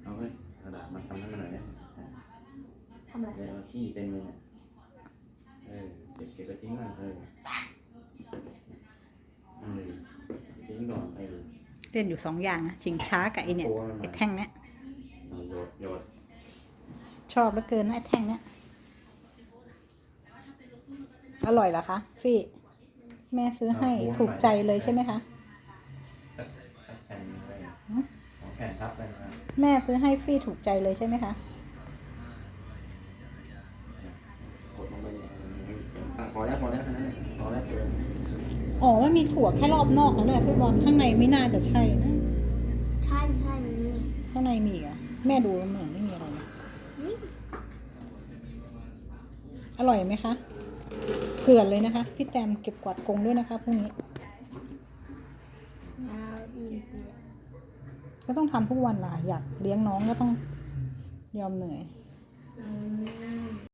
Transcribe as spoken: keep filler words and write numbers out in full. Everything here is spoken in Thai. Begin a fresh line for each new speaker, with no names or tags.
เอาไปกระดาษมาทำให้มันหน่อยนะ
ทำอะไร
เดี๋ยวเอาขี้เต็มเลยเนี่ยเออเก็บเก็บไปทิ้งก่อนเออเออทิ้งก่อนเออ
เล่นอยู่สองอย่างนะชิงช้ากับไอเนี่ยไอแท่งเนี้ย
เอาโยดโยด
ชอบเหลือเกินนะไอแท่งเนี้ยอร่อยเหรอคะฟี่แม่ซื้อให้ถูกใจเลยใช่ไหมคะ
สักสักแผ่นไปสองแผ่นทับไปนะครับ
แม่ซื้อให้ฟี่ถูกใจเลยใช่ไหมคะ
กดลงไปเนี่ยอ่ะพอแล้วพอแล้วแค่นั้นเลยพอแล้วเกิน
อ๋อมันมีถั่วแค่รอบนอกนั่นแหละพี่บอลข้างในไม่น่าจะใช่นะ
ใช่ใช่นี่
ข้างในมีอีกอ่ะแม่ดูเหมือนไม่มีอะไรนะ
นี่
อร่อยไหมคะเกลือนเลยนะคะพี่แตมเก็บกวาดกรงด้วยนะคะพรุ่งนี้
น้ำอีกเนี่ย
ก็ต้องทำทุกวันล่ะอยากเลี้ยงน้องก็ต้องยอมเหนื่อย
อืม